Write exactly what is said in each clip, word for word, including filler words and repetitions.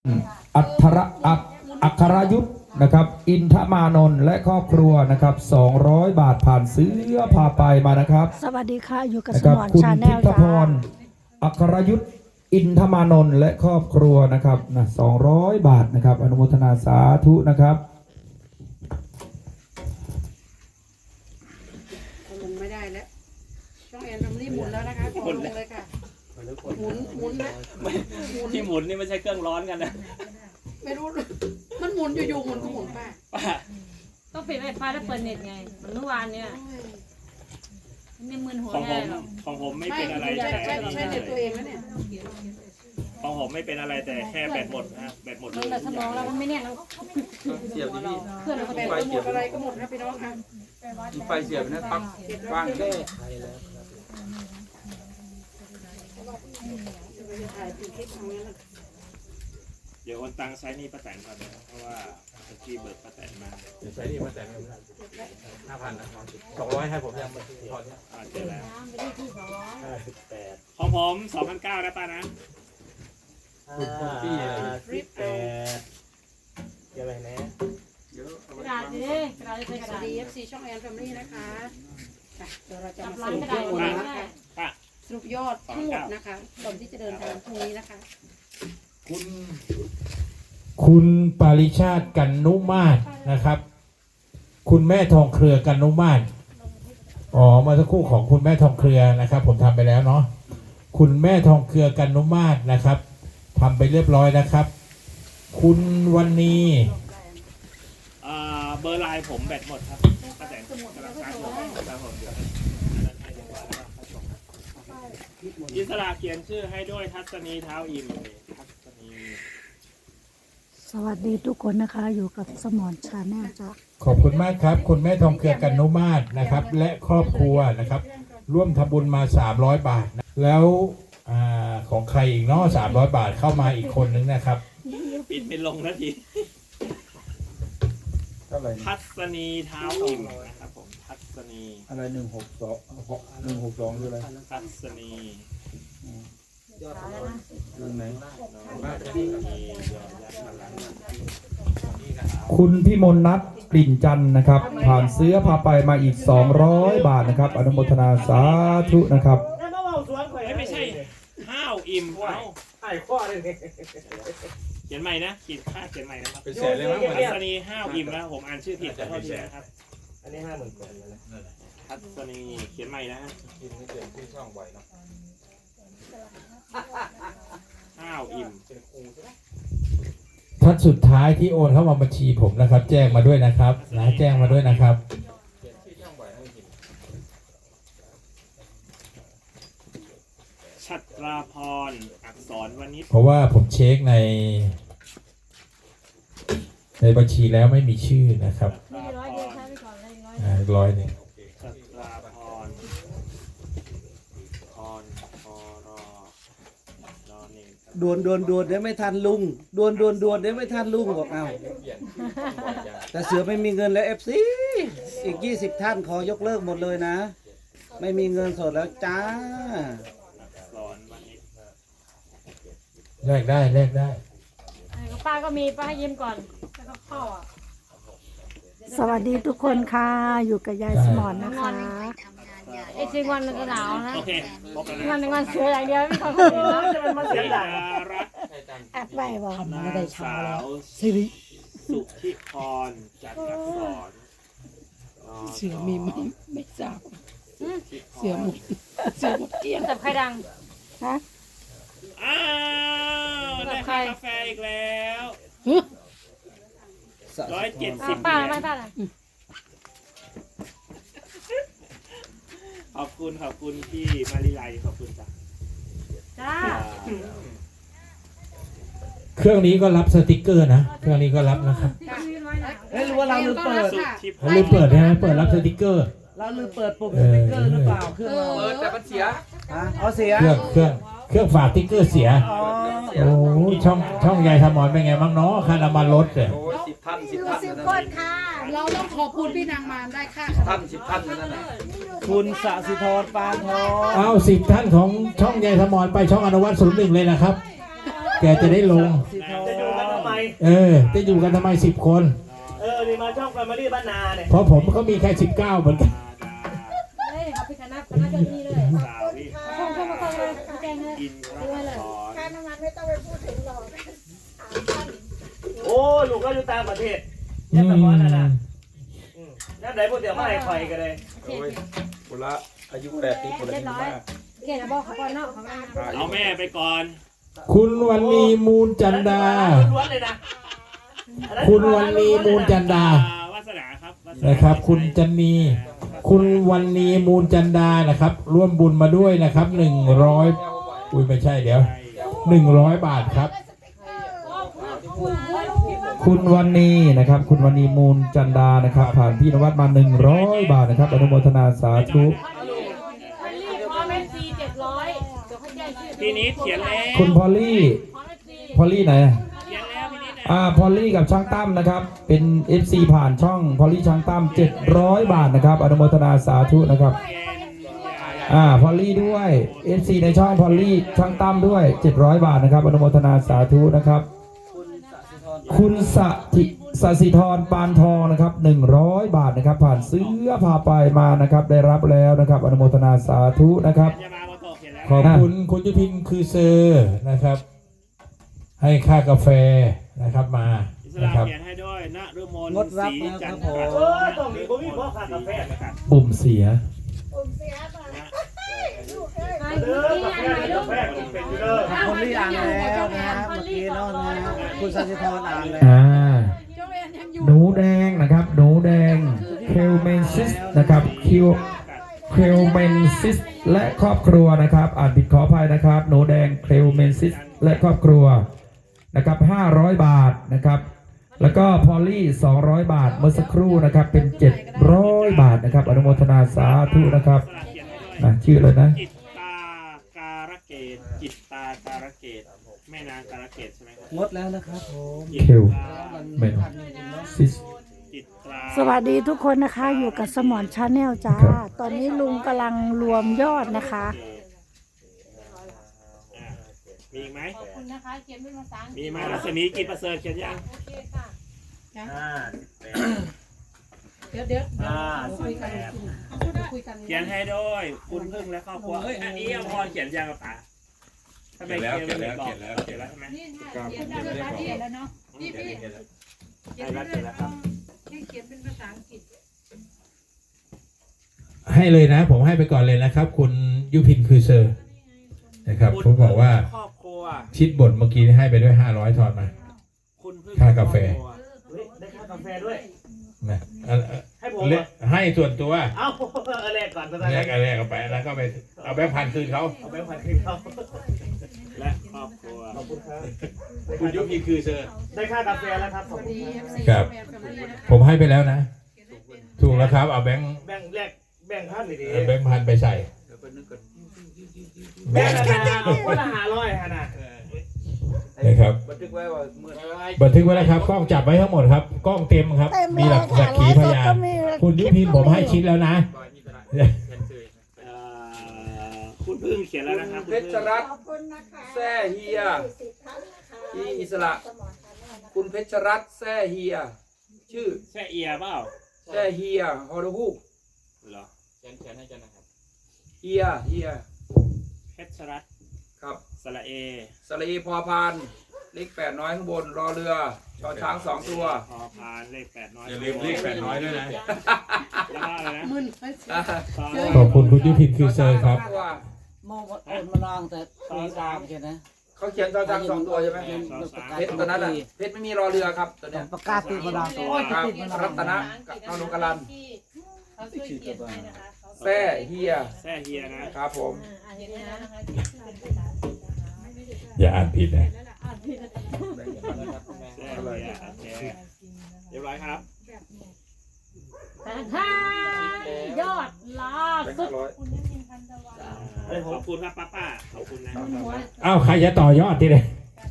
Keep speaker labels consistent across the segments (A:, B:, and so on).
A: อัครอัคอัครยุทธนะครับอินทมานนท์และครอบครัวนะครับสองร้อยบาทผ่านซื้อพาไปมานะครับ
B: สวัสดีค่ะอยู่กับส
A: นะครับ
B: มอน
A: คุณ
B: ชาแน
A: ทิ
B: ล
A: พ
B: จ้า
A: พรอัครยุทธอินทมานนท์และครอบครัวนะครับนะสองร้อยบาทนะครับอนุโมทนาสาธุนะครับ
C: ลงไม่ได้แล้วช่องแอนทำรีบหมุนแล้วนะคะขอลงเลยค่ะหมุนหมุนนะหมุน
D: ที่หมุนนี่ไม่ใช่เครื่องร้อนกันนะ
C: ไม่รู้มันหมุนอยู่ๆหมุนก็หมุนป้า
D: ป้า
E: ต้องปิดไวไฟแล้วเปิดเน็ตไงเหมือนเมื่อวานเนี่ยไม่มึนหัว
D: ของผ
E: ง่าย
D: ม
E: หรอก
D: ของผมไม่
C: ไม่
D: เป็นอะไร
C: ใช่
D: แต่
C: ใช่ใช่เน็ตตัวเองนะเนี่ย
D: ของผมไม่เป็นอะไรแต่แค่แบตหมดนะแบตหมดเล
E: มัน
D: ย
E: แบบสมองเรามันไม่แน่นแล้ว
F: เสียบที่
E: เพื่อนเราก็
C: แบ
E: เป็น
C: ตก็หมดอะไรก็หมดนะพี่น้องค่ะ
F: มีไฟเสียบนะปักวางแค่
C: ถ่ายเป็นคลิปทางนั้น
D: เดี๋ยวโอนตังค์ใช้หนี่ป้าแตนก่อนนะเพราะว่าตะกี้เบิกป้าแตนมา
F: ใช้นี่มาแต่ห้าพันนะสองร้อยให้ผมยังพอเนี่ย
D: อ่าเจอแล้ว
E: ไปที่ที่สองร้อย
D: ของผมสองพันเก้านะป้านะ
F: คุณคุณพี่อะไร
C: รีบเอา
F: เยอะอะไรนะ
E: กระดาษดิกระดาษจะใช้กระ
C: สวั
E: ดา
C: ส
E: ษ
C: ดี เอฟ ซี ช่องแอนแฟมิลี่นะคะค่ะเดี๋ยวเราจะ
E: จับ
C: มา
E: ร้า
C: ส
E: น
C: รุ
E: ก
C: ประ
E: ดาษ
C: ยอด
E: ก็
C: นะคะ
E: ได้
D: ป้า
C: สรุปยอดทั้งหมดนะคะก่อนที่จะเดินทางพรุ่งนี้นะคะ
F: คุณ
G: คุณปาริชาติกันนุมาศนะครับ คุณแม่ทองเครือกันนุมาศอ๋อเมาสักครู่ของคุณแม่ทองเครือนะครับ ผมทำไปแล้วเนาะคุณแม่ทองเครือกันนุมาศนะครับทำไปเรียบร้อยนะครับ คุณวันนี้
D: อ่าเบอร์ไลน์ผมแบตหมดครับป้าแตนกำลังชาร์จอยู่ครับผมเดี๋ยวอันนั้นให้ดีกว่าแล้วก็ค่อยส่งนะอิสระเขียนชื่อให้ด้วยทัศนีเท้าอิ่มทัศนี
B: สวัสดีทุกคนนะคะอยู่กับสมอนชาแนลจ้า
G: ขอบคุณมากครับ คุณแม่ทองเครือกันนุมาศนะครับ และครอบครัวนะครับ ร่วมทำบุญมาสามร้อยบาทนะแล้วอาของใครอีกเนาะสามร้อยบาทเข้ามาอีกคนนึงนะครับ
D: ปิดเป็นลงนาที
F: เท่าไหร่
D: ทัศนีเท้าอิ่มนะครับผมทัศนี
F: อะไรหนึ่งหกสองหนึ่งหกสองคืออะไร
D: ทัศนี
F: เรื่องไหน
D: ทัศนียอดยักษ์พลัง
A: คุณพิมลนัทกลิ่นจันทร์นะครับ ผ่านซื้อพาไปมาอีกสองร้อยบาทนะครับอนุโมทนาสาธุนะครับ
D: ไม่ใช่ห้าวอิ่มเอ้า
F: ไอ้ข้อเลยเนี่ย
D: เขียนใหม่นะขีดค่าเขียนใหม่นะครับ
F: เป็นแสนเลยมั้ง
D: ทัศนีห้าวอิ่มนะผมอ่านชื่อผิดขอโทษทีนะครับ
F: อันนี้ห้าหมื่นแปดเลยนะ
D: ทัศนีเขียนใหม่นะฮะ
F: กินไม่เกินที่ช่องไหวเนาะ
D: ห้าวอิ่ม
F: เป็นครูใช่ไหม
G: ท่านสุดท้ายที่โอนเข้ามาบัญชีผมนะครับ แจ้งมาด้วยนะครับนะแจ้งมาด้วยนะครับ
F: เขียนที่ช่องไหวให้กิน
D: ชัตราพรอักษรวณิช
G: เพราะว่าผมเช็คใน ในบัญชีแล้วไม่มีชื่อนะครับ
E: มีร้อยเดียวใช้ไปก่อนเลยร้อย
G: อ่าร้อยหนึ่ง
D: ชัตราพรพรพรรอหนึ่ง
H: ดวนดวนดวนได้ไม่ทันลุงดวนดวนดวนได้ไม่ทันลุงบอกเอา
F: เปลี่ยนบ่อยจัง
H: แต่เสือไม่มีเงินแล้วเอฟซีอีกยี่สิบท่านขอยกเลิกหมดเลยนะ ไม่มีเงินสดแล้วจ้า
D: อักษรวณิช
G: แลกได้แลกได้
E: ป้าก็มีป้าให้ยิ้มก่อนแล้วก็เข้าอ่ะ
B: สวัสดีทุกคนค่ะอยู่กับยายสมอนนะคะ
E: ไอ้ซิงวันมันจะหนาวนะ
D: โอเคพบกัน
E: มัน
D: นะ
E: เป็นวันเสืออย่างเดียวไม่ค่อยพูดนะจะเป็นวัน
D: เสี
E: เสื
D: ย
E: อ
D: รัตน์
F: ใช่ตังค์
B: แอปไว้บอก
D: นางสาวสุธิพรจัดอักษร
C: เสือมีมั้ยไม่ทราบเสือหมดเสือหมดเกลี้ยง
E: จับใครดัง
B: ฮะ
D: อ้าวได้ค่ากาแฟอีกแล้วร้อยเจ็ดสิบ
E: ป้าป้าป้าป้า
D: ขอบคุณขอบคุณพี่มาริไลขอบคุณจ้ะ
E: จ้า
G: เครื่องนี้ก็รับสติกเกอร์นะเครื่องนี้ก็รับนะครับ
H: เฮ้ยรู้ว่าเราลืมเปิด
D: สุธิพ
G: เขา
D: ร
G: ลืมเปิดใช่ไหมเปิดรับสติกเกอร์
H: เราลืมเปิดปุ่มสติ๊กเกอร์หรือเปล่าเครื่องเรา
F: เปิดแต่มันเสีย
H: ฮะเอาเสีย
G: เครื่องเครื่องเครื่องฝากสติ๊กเกอร์เสีย
H: อ๋อ
G: โอ้ช่องช่องยายสมอนเป็นไงบ้างเนาะค่าน้ำมันรถเนี่ย
F: โอ้ยสิบท่านสิบท่านนั่นน่ะ
C: เราต้องขอบคุณพี่นางมารได้ค่า
F: ท่านสิบท่านนั่นน่ะ
H: คุณสสิธรปานทอง
G: เอาสิบท่านของช่องยายสมอนไปช่องอนุวัตศูนย์หนึ่งเลยนะครับ แกจะได้ลง
H: สิธร
G: เออจะอยู่กันทำไมสิบคน
D: เออนี่มาช่องแฟมิลี่บ้านนาเนี่ย
G: เพราะผมก็มีแค่สิบเก้าเหมือนกัน
E: เฮ้ยเอาไปคณะคณะเจ้าหนี้เลย
D: สาววิ
E: ส่งเข้ามาส่งเลยแจ้งเลย
D: อินทรสอน
C: ค่าน้ำมันไม่ต้องไปพูดถึงหรอก
D: โอ้ลูกก็อยู่ต่างประเทศยังสมอนนะนะนั่นไหนพวกเดี๋ยวมาให้คอยกันเลย
E: โอเค
F: คนละอายุแบบนี้คนละอายุมาก
E: เกณฑ์บอกเขาก่อนเนาะเขามา
D: เอาแม่ไปก่อน
G: คุณวันนีมูลจันดา
D: ล้วนเลยนะ
G: คุณวันนีมูลจันดา
D: วาสนาครับ
G: นะครับ คุณจันนีคุณวันนีมูลจันดานะครับ ร่วมบุญมาด้วยนะครับหนึ่งร้อยอุ้ยไม่ใช่เดี๋ยวหนึ่งร้อยบาทครับ
A: คุณวันนี้นะครับ คุณวันนี้มูลจันดานะครับ ผ่านพี่นวัดมาหนึ่งร้อยบาทนะครับอนุโมทนาสาธุ
E: วันรีพอเอฟซีเจ็ดร้อยเดี๋ยวเขาแจ้งชื่อ
D: พี่นิดเขียนแล้ว
A: คุณพอลลี่
E: พอเอฟซี
A: พอลลี่ไหน
D: เขียนแล้วพี่นิด
A: อ่าพอลลี่กับช่างตั้มนะครับ เป็น เอฟ ซี ผ่านช่องพอลลี่ช่างตั้มเจ็ดร้อยบาทนะครับอนุโมทนาสาธุนะครับ อ่าพอลลี่ด้วย เอฟ ซี ในช่องพอลลี่ช่างตั้มด้วยเจ็ดร้อยบาทนะครับอนุโมทนาสาธุนะครับ คุณสถิสสิธรปานทองนะครับหนึ่งร้อยบาทนะครับ ผ่านเสื้อพาไปมานะครับ ได้รับแล้วนะครับอนุโมทนาสาธุนะครับ
D: จะมาโมโตเขียนแล้ว
G: ขอบคุณคุณยุพินคือเซอร์นะครับ ให้ค่ากาแฟนะครับมา
D: อิส
G: นะ
D: ลา
G: ครับ
D: เขียนให้ด้วยณฤมล
H: งดรับ
D: ศรี
H: แล้ว
D: จั
H: คน รับ
D: ท
H: ผ
D: ร์
H: ม
D: เออตรงนี้ผมมีพ่อค้ากาแฟนะครับ
A: ปุ่มเสีย
E: ใครเมื่อกี้อ่านไหนลูก
D: กาแฟมันเป็นอยู่เด้อ
H: คนที่อ่านแล้วนะฮะเมื่อกี้เนาะนะฮะคุณสันติธรอ่านแล้ว
A: อ่าหนูแดงนะครับหนูแดงเคลเมนซิสนะครับคิวเคลเมนซิสและครอบครัวนะครับ อ่านผิดขออภัยนะครับ หนูแดงเคลเมนซิสและครอบครัวนะครับห้าร้อยบาทนะครับ แล้วก็พอลลี่สองร้อยบาทเมื่อสักครู่นะครับเป็นเจ็ดร้อยบาทนะครับอนุโมทนาสาธุนะครับ
D: อิสลาเขียนให้ด้วย
A: นะชื่อเลยนะ
D: จิตตาการะเกตจิตตาการะเกตแม่นางการะเกตใช่ไหมครับ
H: งดแล้วนะครับผม
D: จิต
A: เคล
D: ตา
A: เมนซิส
D: จิตตรา
B: สวัสดีทุกคนนะคะอยู่กับสมอนชาแนลจ้า
A: ครับ
B: ตอนนี้ลุงกำลังรวมยอดนะคะ
D: อ่ะมีอีกไหม
E: ขอบคุณนะคะเขียนเป็นภาษาอังกฤษ
D: มีไหมรัศมีกิจประเสริฐเขียนยัง
E: โอเคค่ะ
D: ห้าสิบแปด
C: เดี๋ยวเดี๋ยว
D: ห้าสิบแปด
C: คุยกัน
D: เขียนให้ด้วยคุณพึ่งและครอบครัวเอ้ยอันนี้อภรเขียนยังกับป๋าทำไมเขียนไม่บอกเขียนแล้วเขียนแล้วใช่ไหม
C: นี่ค่ะเขียนได้ภาษาอังกฤษแล้วเนาะพี่พี่
D: ใช่แล้วเขียนแล้วครับ
C: ให้เขียนเป็นภาษาอังกฤษ
G: ให้เลยนะ ผมให้ไปก่อนเลยนะครับ คุณยุพินคือเซอร์นะครับผมบอกว่า
D: ครอบครัว
G: ชิดบทเมื่อกี้ให้ไปด้วยห้าร้อยทอนมา
D: คุณพึ่ง
G: ค่ากาแฟ
D: เฮ้ยได้ค่ากาแฟด้วย
G: นะเอาเอา
D: ให้ผม
G: เล
D: เหรอ
G: ให้ส่วนตัว
D: เอาเอาแรกก่อนตอน
G: แล
D: แร
G: ก
D: ก
G: อะไรเอาไปแล้วก็ไปเอาแบงค์พันคืนเขา
D: เอาแบงค์พันขึ้นเขาและครอบครัวขอบคุณครับ
G: คุณยุพินคือเซอร์
D: ได้ค่ากาแฟแล้วครับขอบคุณครับ
G: ครับ ผมให้ไปแล้วนะ ถูกแล้วครับ เอาแบงค์
D: แบ่งแรกแบ่งพันดี
G: เอาแบงค์พันไปใส่
D: ๆแบ่งละนะคนละห้าร้อยฮะนะ
G: นะครับ
F: บันทึกไว้ว่าเมื่อ
G: บันทึกไว้แล้วครับ กล้องจับไว้ทั้งหมดครับ กล้องเต็มครับ มีหลักสักขีพยาน คุณยุพินผมให้ชิดแล้วนะ
D: เอ่อคุณพึ่งเขียนแล้วนะครับ
F: เพชรรัตน์แซ่เฮียที่อิสระ คุณเพชรรัตน์แซ่เฮีย ชื่อ
D: แช่เอียเปล่า
F: แซ่เฮียฮอร์ฮูก
D: เหรอ
F: เฮียเฮีย
D: เพชรรัตน์
F: ครับ
D: สระเอ
F: สลีพอพานเลขแปดน้อยข้างบนรอเรือชอช้างสองตัว
D: พอพานเลขแปดน้อย
G: อย่าลืมเลขแปดน้อยด้วยนะ
D: แล้วก็อะไรนะ
C: มึน
F: อ่า
G: ขอบคุณคุณยุพินคือเซอร์ครับ
F: ตัว
H: มองว่าโอนมาลองแต่ปีดาวใช่ไหม
F: เขาเขียนชอช้างสองตัวใช่ไหมเพชรตัวนั้นอ่ะเพชรไม่มีรอเรือครับตัวเนี้ย
H: ประกาศติดมาลองตัว
F: ครับรัตนะกับนรุกรัน
C: เขาช่วยเขียนให้นะคะ
F: แซ่เฮีย
D: แช่เฮียนะครับ
F: ผม
C: อ่านอย่างนี้นะ
G: อย่าอ่านผิดนะ
D: แช่เฮียโอเคเรียบร้อยครับ
E: แต่ถ้ายอดล่า
F: แบงค์
E: สุด
F: ห้าร้อย
D: ขอบคุณครับป้าป้าขอบคุณนะ
G: อ้าวใครจะต่อยอดทีเดียว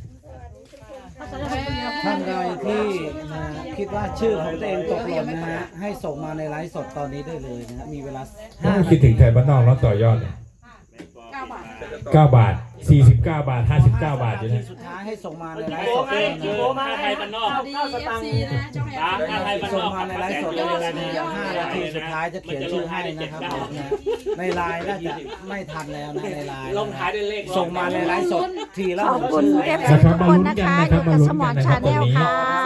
H: ท่านใดที่นะคิดว่าชื่อของตัวเองตกหล่นนะฮะให้ส่งมาในไลฟ์สดตอนนี้ได้เลยนะฮะมีเวลาห้า
G: คิดถึงไทยบ้านนอกแล้วต่อยอดเนี่ย
C: เก้าบาท
G: เก้าบาทสี่สิบเก้าบาทห้าสิบเก้าบาทอยู่
H: ที
G: นะ
H: สุดท้ายให้ส่งมาในไล
D: โอ้
H: ฟ์สด
D: ให้
H: เลย
D: คือ
H: นะ
D: ถ้าไทยบ้านนอก
C: สวัสดีเอฟซีนะช่องแอน
D: ตามถ้าไทยบ้านน
H: ส่ง
D: อก
H: มาในไลฟ์สดเลยนะห้านาทีสุดท้ายจะเขียนชื่อให้นะครับผมนะในไลน์น่าจะไม่ทันแล้วนะในไลน์
D: ลงท้ายด้วยเลข
H: ส่งมาในไลฟ์สดทีละ
B: ขอบคุณ
H: หนึ่ง
B: เอฟ
H: ชื่
B: ซีทุกคนนะคะ อยู่กับสมอนชาแนลค่ะ